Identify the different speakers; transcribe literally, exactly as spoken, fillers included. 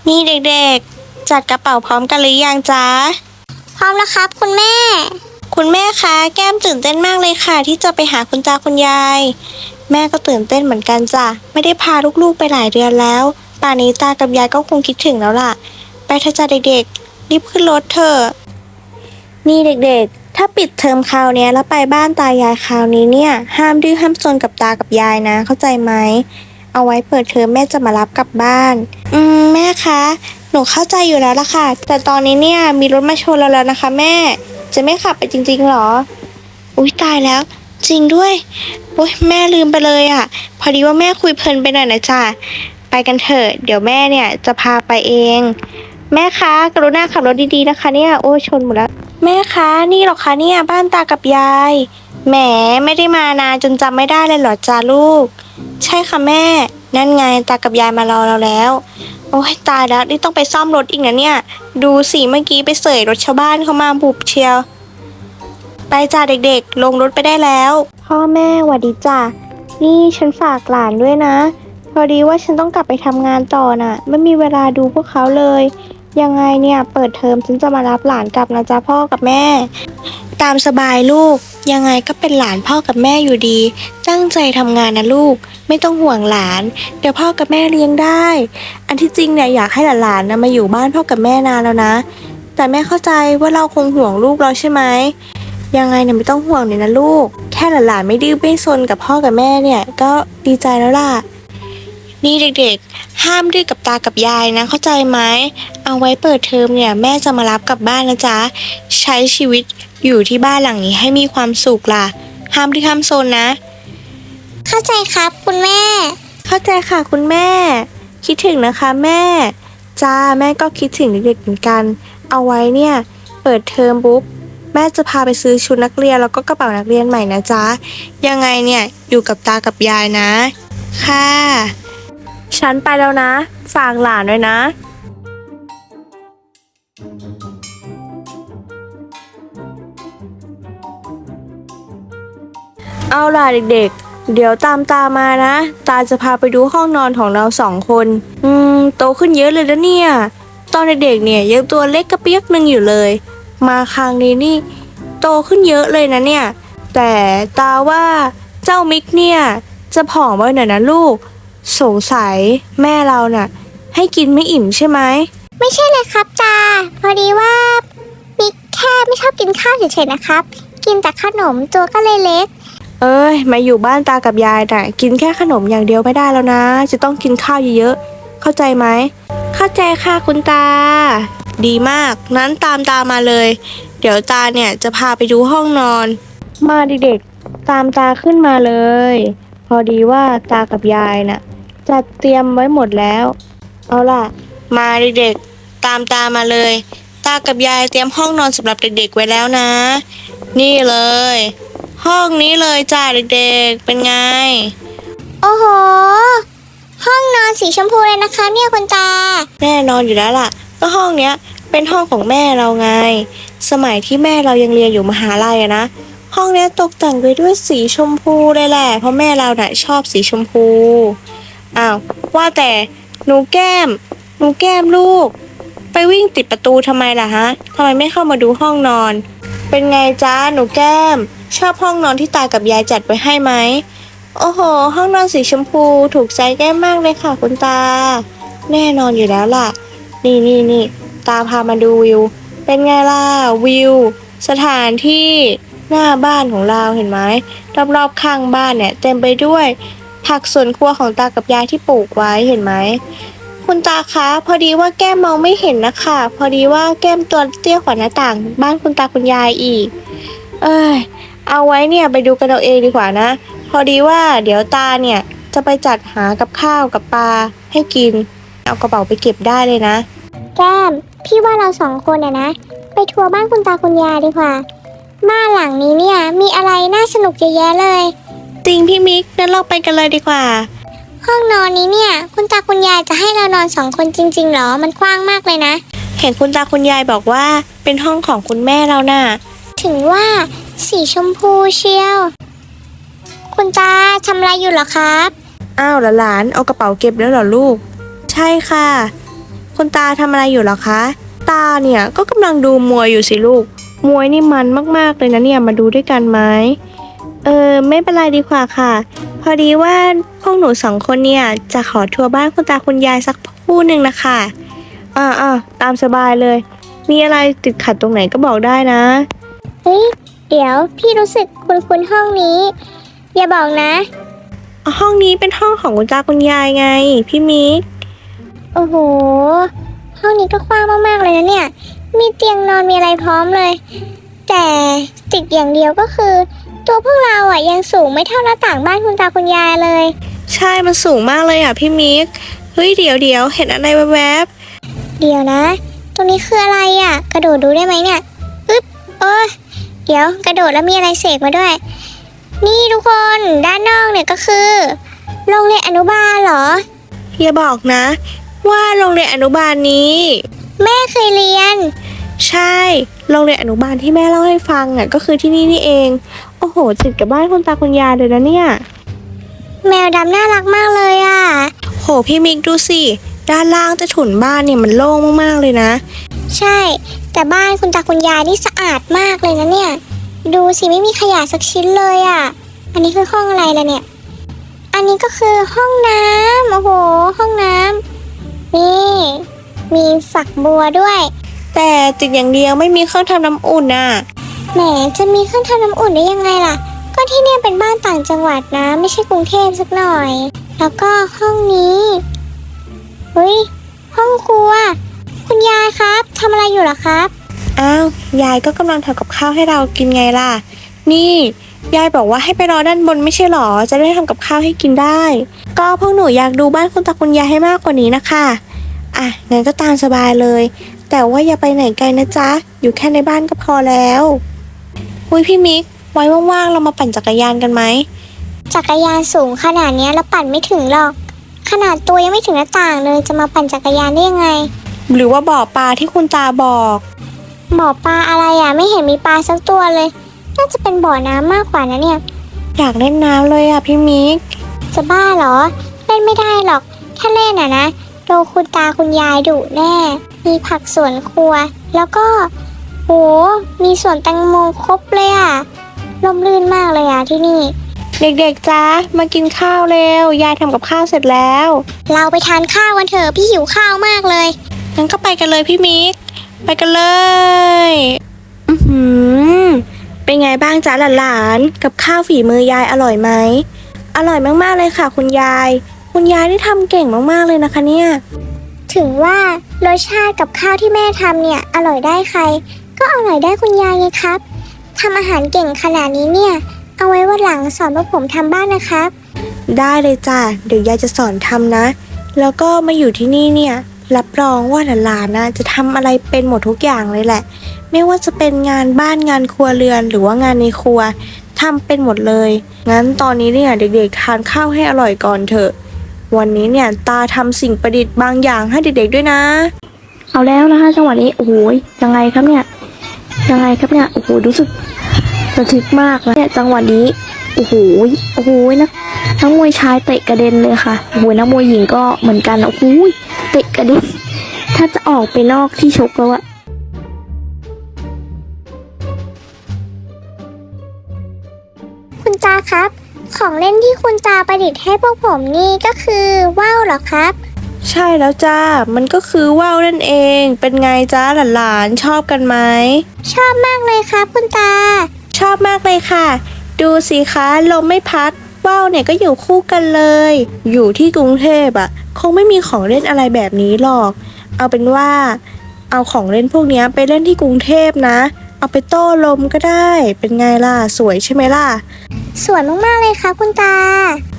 Speaker 1: นี่เด็กๆจัดกระเป๋าพร้อมกันหรือยังจ๊ะ
Speaker 2: พร้อมแล้วครับคุณแม่
Speaker 1: คุณแม่คะแก้มตื่นเต้นมากเลยค่ะที่จะไปหาคุณตาคุณยายแม่ก็ตื่นเต้นเหมือนกันจ้ะไม่ได้พาลูกๆไปหลายเดือนแล้วป่านนี้ตากับยายก็คงคิดถึงแล้วล่ะไปเถอะจ้ะเด็กๆรีบขึ้นรถเถอะนี่เด็กๆถ้าปิดเทอมคราวนี้แล้วไปบ้านตายายคราวนี้เนี่ยห้ามดื้อห้ามซนกับตากับยายนะเข้าใจไหมเอาไว้เปิดเทอมแม่จะมารับกลับบ้านอืมแม่คะหนูเข้าใจอยู่แล้วล่ะค่ะแต่ตอนนี้เนี่ยมีรถมาชนเราแล้วนะคะแม่จะไม่ขับไปจริงๆหรออุ๊ยตายแล้วจริงด้วยโอ๊ยแม่ลืมไปเลยอ่ะพอดีว่าแม่คุยเพลินไปหน่อยนะจ๊ะไปกันเถอะเดี๋ยวแม่เนี่ยจะพาไปเองแม่คะกรุณาขับรถดีๆนะคะเนี่ยโอ้ชนหมดแล้วแม่คะนี่หรอคะเนี่ยบ้านตากับยายแหมไม่ได้มานานจนจำไม่ได้เลยเหรอจ้าลูกใช่ค่ะแม่นั่นไงตากับยายมารอเราแล้วโอ้ยตายแล้วนี่ต้องไปซ่อมรถอีกนะเนี่ยดูสิเมื่อกี้ไปเสยรถชาวบ้านเข้ามาบุบเชียวไปจ้าเด็กๆลงรถไปได้แล้วพ่อแม่หวัดดีจ้านี่ฉันฝากหลานด้วยนะพอดีว่าฉันต้องกลับไปทำงานต่อน่ะไม่มีเวลาดูพวกเขาเลยยังไงเนี่ยเปิดเทอมฉันจะมารับหลานกลับนะจ๊ะพ่อกับแม่ตามสบายลูกยังไงก็เป็นหลานพ่อกับแม่อยู่ดีตั้งใจทำงานนะลูกไม่ต้องห่วงหลานเดี๋ยวพ่อกับแม่เลี้ยงได้อันที่จริงเนี่ยอยากให้หลานๆนะมาอยู่บ้านพ่อกับแม่นานแล้วนะแต่แม่เข้าใจว่าเราคงห่วงลูกเราใช่ไหมยังไงเนี่ยไม่ต้องห่วงเลยนะลูกแค่หลานๆไม่ดื้อไม่ซนกับพ่อกับแม่เนี่ยก็ดีใจแล้วล่ะนี่เด็กๆห้ามดื้อกับตากับยายนะเข้าใจไหมเอาไว้เปิดเทอมเนี่ยแม่จะมารับกลับบ้านนะจ๊ะใช้ชีวิตอยู่ที่บ้านหลังนี้ให้มีความสุขล่ะห้ามดื้อห้ามซนนะ
Speaker 2: เข้าใจครับคุณแม่
Speaker 1: เข้าใจค่ะคุณแม่คิดถึงนะคะแม่จ้าแม่ก็คิดถึงเด็กๆเหมือนกันเอาไว้เนี่ยเปิดเทอมปุ๊บแม่จะพาไปซื้อชุดนักเรียนแล้วก็กระเป๋านักเรียนใหม่นะจ๊ะยังไงเนี่ยอยู่กับตากับยายนะค่ะฉันไปแล้วนะฝากหลานด้วยนะเอาล่ะเด็กๆเดี๋ยวตามตามานะตาจะพาไปดูห้องนอนของเราสองคนอืมโตขึ้นเยอะเลยนะเนี่ยตอนเด็กๆเนี่ยยังตัวเล็กกระเปียกนึงอยู่เลยมาครั้งนี้นี่โตขึ้นเยอะเลยนะเนี่ยแต่ตาว่าเจ้ามิกเนี่ยจะผอมไว้หน่อยนะลูกสงสัยแม่เราน่ะให้กินไม่อิ่มใช่ไหม
Speaker 2: ไม่ใช่เลยครับตาพอดีว่ามิกแค่ไม่ชอบกินข้าวเฉยๆนะครับกินแต่ขนมตัวก็เลยเล็ก
Speaker 1: เอ้ยมาอยู่บ้านตากับยายน่ะกินแค่ขนมอย่างเดียวไม่ได้แล้วนะจะต้องกินข้าวเยอะๆเข้าใจไหมเข้าใจค่ะคุณตาดีมากนั้นตามตามาเลยเดี๋ยวตาเนี่ยจะพาไปดูห้องนอนมาเด็กๆตามตาขึ้นมาเลยพอดีว่าตากับยายน่ะจัดเตรียมไว้หมดแล้วเอาล่ะมาเด็กๆตามตามาเลยตากับยายเตรียมห้องนอนสำหรับเด็กๆไว้แล้วนะนี่เลยห้องนี้เลยจ้าเด็กๆเป็นไง
Speaker 2: โอ้โหห้องนอนสีชมพูเลยนะคะเนี่ยคุณตา
Speaker 1: แน่นอนอยู่แล้วล่ะก็ห้องเนี้ยเป็นห้องของแม่เราไงสมัยที่แม่เรายังเรียนอยู่มหาลัยอะนะห้องเนี้ยตกแต่งไปด้วยสีชมพูเลยแหละเพราะแม่เราน่ะชอบสีชมพูอ้าวว่าแต่หนูแก้มหนูแก้มลูกไปวิ่งติดประตูทำไมล่ะฮะทำไมไม่เข้ามาดูห้องนอนเป็นไงจ้าหนูแก้มชอบห้องนอนที่ตากับยายจัดไว้ให้ไหมโอ้โหห้องนอนสีชมพูถูกใจแก้มมากเลยค่ะคุณตาแน่นอนอยู่แล้วล่ะนี่นี่นี่ตาพามาดูวิวเป็นไงล่ะวิวสถานที่หน้าบ้านของเราเห็นไหมรอบๆข้างบ้านเนี่ยเต็มไปด้วยผักสวนครัวของตากับยายที่ปลูกไว้เห็นไหมคุณตาคะพอดีว่าแก้มมองไม่เห็นนะคะพอดีว่าแก้มตัวเตี้ยกว่าหน้าต่างบ้านคุณตาคุณยายอีกเอ้ยเอาไว้เนี่ยไปดูกันเอาเองดีกว่านะพอดีว่าเดี๋ยวตาเนี่ยจะไปจัดหากับข้าวกับปลาให้กินเอากระเป๋าไปเก็บได้เลยนะ
Speaker 2: แก้มพี่ว่าเราสองคนเนี่ยนะไปทัวร์บ้านคุณตาคุณยายดีกว่าบ้านหลังนี้เนี่ยมีอะไรน่าสนุกเยอะแยะเลย
Speaker 1: จริงพี่มิกงั้นเราไปกันเลยดีกว่า
Speaker 2: ห้องนอนนี้เนี่ยคุณตาคุณยายจะให้เรานอนสองคนจริงๆหรอมันกว้างมากเลยนะ
Speaker 1: เห็นคุณตาคุณยายบอกว่าเป็นห้องของคุณแม่เราน่ะ
Speaker 2: ถึงว่าสีชมพูเชียวคุณตาทำอะไรอยู่เหรอครับ
Speaker 1: อ้าวหลานเอากระเป๋าเก็บแล้วเหรอลูกใช่ค่ะคุณตาทำอะไรอยู่เหรอคะตาเนี่ยก็กำลังดูมวยอยู่สิลูกมวยนี่มันมากๆเลยนะเนี่ยมาดูด้วยกันไหมเออไม่เป็นไรดีกว่าค่ะพอดีว่าพวกหนูสองคนเนี่ยจะขอทัวร์บ้านคุณตาคุณยายสักคู่หนึ่งนะคะอ่าอ่าตามสบายเลยมีอะไรติดขัดตรงไหนก็บอกได้นะ
Speaker 2: เฮ้ยเดี๋ยวพี่รู้สึกคุ้นๆห้องนี้ อย่าบอกนะ
Speaker 1: ห้องนี้เป็นห้องของคุณตาคุณยายไงพี่มิก
Speaker 2: โอ้โห ห้องนี้ก็กว้างมากๆเลยนะเนี่ย มีเตียงนอนมีอะไรพร้อมเลย แต่ติดอย่างเดียวก็คือ ตัวพวกเราอ่ะยังสูงไม่เท่าหน้าต่างบ้านคุณตาคุณยายเลย
Speaker 1: ใช่มันสูงมากเลยอ่ะพี่มิกเฮ้ยเดี๋ยวเดี๋ยวเห็นอะไรแวบ
Speaker 2: เดี๋ยวนะ ตรงนี้คืออะไรอ่ะ กระโดดดูได้ไหมเนี่ยอึ๊บโอ้ยเดี๋ยวกระโดดแล้วมีอะไรเสกมาด้วย นี่ทุกคนด้านนอกเนี่ยก็คือโรงเรียนอนุบาลเหรอ
Speaker 1: ๆอย่าบอกนะ ว่าโรงเรียนอนุบาลนี้
Speaker 2: แม่เคยเรียน
Speaker 1: ใช่โรงเรียนอนุบาลที่แม่เล่าให้ฟังอ่ะก็คือที่นี่นี่เองโอ้โหติดกับบ้านคุณตาคุณยายเลยนะเนี่ย
Speaker 2: แมวดำน่ารักมากเลยอ่ะ
Speaker 1: โหพี่มิกดูสิด้านล่างใต้ถุนบ้านเนี่ยมันโล่งมากๆเลยนะ
Speaker 2: ใช่ แต่บ้านคุณตาคุณยายนี่สะอาดมากเลยนะเนี่ย ดูสิไม่มีขยะสักชิ้นเลยอะ่ะ อันนี้คือห้องอะไรล่ะเนี่ย อันนี้ก็คือห้องน้ำโอ้โห ห้องน้ำนี่ มีฝักบัวด้วย
Speaker 1: แต่ติดอย่างเดียวไม่มีเครื่องทำน้ำอุ่นน่ะ
Speaker 2: แหมจะมีเครื่องทำน้ำอุ่นได้ยังไงล่ะ ก็ที่เนี่ยเป็นบ้านต่างจังหวัดนะ ไม่ใช่กรุงเทพสักหน่อย แล้วก็ห้องนี้เฮ้ยห้องครัว คุณยายครับทำอะไรอยู่เหรอครับ
Speaker 1: อ้าวยายก็กำลังทำกับข้าวให้เรากินไงล่ะ นี่ยายบอกว่าให้ไปรอด้านบนไม่ใช่หรอจะได้ทำกับข้าวให้กินได้ ก็พวกหนูอยากดูบ้านคุณตาคุณยายให้มากกว่านี้นะคะอ่ะงั้นก็ตามสบายเลย แต่ว่าอย่าไปไหนไกลนะจ๊ะอยู่แค่ในบ้านก็พอแล้วอุ้ยพี่มิกไว้ว่างๆเรามาปั่นจักรยานกันไหม
Speaker 2: จักรยานสูงขนาดเนี้ยเราปั่นไม่ถึงหรอก ขนาดตัวยังไม่ถึงหน้าต่างเลยจะมาปั่นจักรยานได้ยังไง
Speaker 1: หรือว่าบ่อปลาที่คุณตาบอก
Speaker 2: บ่อปลาอะไรอ่ะไม่เห็นมีปลาสักตัวเลย น่าจะเป็นบ่อน้ำมากกว่านะเนี่ย
Speaker 1: อยากเล่นน้ำเลยอ่ะพี่มิก
Speaker 2: จะบ้าเหรอ เล่นไม่ได้หรอก ถ้าเล่นอ่ะนะโดนคุณตาคุณยายดุแน่ มีผักสวนครัว แล้วก็โหมีสวนแตงโมครบเลยอ่ะร่มรื่นมากเลยอ่ะที่นี่
Speaker 1: เด็กๆจ้ามากินข้าวเร็วยายทำกับข้าวเสร็จแล้ว
Speaker 2: เราไปทานข้าวกันเถอะพี่หิวข้าวมากเลย
Speaker 1: งั้นก็ไปกันเลยพี่มิก ไปกันเลย อือหือ เป็นไงบ้างจ๊ะหลานๆ กับข้าวฝีมือยายอร่อยไหม อร่อยมากๆเลยค่ะ คุณยาย คุณยายที่ทำเก่งมากๆเลยนะคะเนี่ย
Speaker 2: ถึงว่ารสชาติกับข้าวที่แม่ทำเนี่ยอร่อยได้ใคร ก็อร่อยได้คุณยายไงครับทำอาหารเก่งขนาดนี้เนี่ย เอาไว้วันหลังสอนพวกผมทำบ้านนะครับ
Speaker 1: ได้เลยจ้ะ เดี๋ยวยายจะสอนทำนะ แล้วก็มาอยู่ที่นี่เนี่ย รับรองว่าหลานๆนะจะทำอะไรเป็นหมดทุกอย่างเลยแหละ ไม่ว่าจะเป็นงานบ้านงานครัวเรือนหรือว่างานในครัวทำเป็นหมดเลย งั้นตอนนี้เนี่ยเด็กๆทานข้าวให้อร่อยก่อนเถอะ วันนี้เนี่ยตาทำสิ่งประดิษฐ์บางอย่างให้เด็กๆด้วยนะ เอาแล้วนะคะจังหวะนี้โอ้โหยังไงครับเนี่ยยังไงครับเนี่ยโอ้โหรู้สึกระทึกมากแล้วเนี่ยจังหวะนี้โอ้โหโอ้โหนะนักมวยชายเตะกระเด็นเลยค่ะโอ้โหนักมวยหญิงก็เหมือนกันโอ้โหเตะกระเด็นถ้าจะออกไปนอกที่ชกแล้วอะ
Speaker 2: คุณตาครับ ของเล่นที่คุณตาประดิษฐ์ให้พวกผมนี่ก็คือว่าวเหรอครับ
Speaker 1: ใช่แล้วจ้ามันก็คือว่าวนั่นเองเป็นไงจ้าหลานๆชอบกันไหม
Speaker 2: ชอบมากเลยครับคุณตา
Speaker 1: ชอบมากเลยค่ะ ดูสิคะลมไม่พัดว่าวเนี่ยก็อยู่คู่กันเลย อยู่ที่กรุงเทพอ่ะคงไม่มีของเล่นอะไรแบบนี้หรอก เอาเป็นว่า เอาของเล่นพวกเนี้ยไปเล่นที่กรุงเทพนะ เอาไปโต้ลมก็ได้ เป็นไงล่ะสวยใช่ไหมล่ะ
Speaker 2: สวยมากๆเลยครับคุณตา